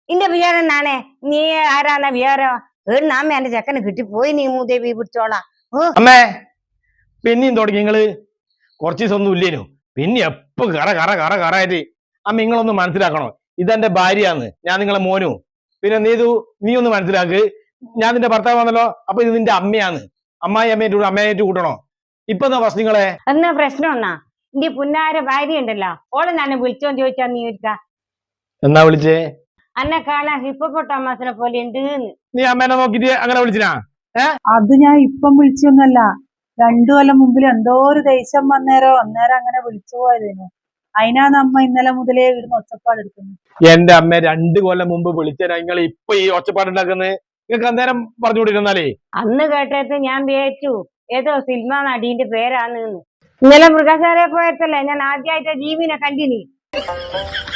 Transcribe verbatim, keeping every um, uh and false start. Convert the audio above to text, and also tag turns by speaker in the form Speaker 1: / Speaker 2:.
Speaker 1: ഇന്റെ വിചാരം നാണേ നീ ആരാന്ന വിചാരം ഏണ്ണാമ്മ എന്റെ ചെക്കന് കിട്ടിപ്പോയി നീ മൂദേവി പിടിച്ചോളാം.
Speaker 2: അമ്മേ പിന്നെയും തുടങ്ങി നിങ്ങള് കുറച്ച് ദിവസം ഒന്നും ഇല്ലേനു പിന്നെ എപ്പോ കറ കറ കറ കറായിട്ട് അമ്മ നിങ്ങളൊന്ന് മനസ്സിലാക്കണോ ഇതെന്റെ ഭാര്യയാന്ന് ഞാൻ നിങ്ങളെ മോനു പിന്നെ നീ ഇത് നീ ഒന്ന് മനസ്സിലാക്ക് ഞാൻ നിന്റെ ഭർത്താവാണല്ലോ അപ്പൊ ഇത് നിന്റെ അമ്മയാന്ന് അമ്മായി അമ്മയായിട്ട് അമ്മയായിട്ട് കൂട്ടണോ ഇപ്പൊ എന്താ പ്രശ്നങ്ങളെ
Speaker 1: എന്നാ പ്രശ്നം എന്നാ ഇന്റെ പുന്നാര ഭാര്യ ഉണ്ടല്ലോ ഓളെ ഞാൻ വിളിച്ചോന്ന് ചോദിച്ചാ നീ ഒരുക്ക
Speaker 2: എന്നാ വിളിച്ചേ
Speaker 1: അന്നെ കാണാൻ ഹിപ്പോപ്പൊട്ടാമസിനെ പോലെ ഉണ്ട്.
Speaker 2: നീ അമ്മേനെ നോക്കിട്ട് അങ്ങനെ വിളിച്ചിനാ ഏഹ്
Speaker 3: അത് ഞാൻ ഇപ്പം വിളിച്ചൊന്നല്ല രണ്ടു കൊല്ലം മുമ്പിൽ എന്തോ ഒരു ദേഷ്യം വന്നേരോ അന്നേരം അങ്ങനെ വിളിച്ചു പോയതേനു. അതിനാണ് അമ്മ ഇന്നലെ മുതലേ ഇവിടുന്ന് ഒച്ചപ്പാട് എടുക്കുന്നത്.
Speaker 2: എന്റെ അമ്മ രണ്ടു കൊല്ലം മുമ്പ് വിളിച്ച നിങ്ങൾ ഇപ്പൊ ഈ ഒച്ചപ്പാടുണ്ടാക്കുന്നത് നിങ്ങൾക്ക് അന്നേരം പറഞ്ഞുകൊണ്ടിരുന്നാലേ
Speaker 1: അന്ന് കേട്ടത് ഞാൻ വിചാരിച്ചു ഏതോ സിനിമ നടീന്റെ പേരാന്ന്. ഇന്നലെ മൃഗശാലയിൽ പോയതല്ലേ ഞാൻ ആദ്യമായിട്ട് ജീവനെ കണ്ടിനി.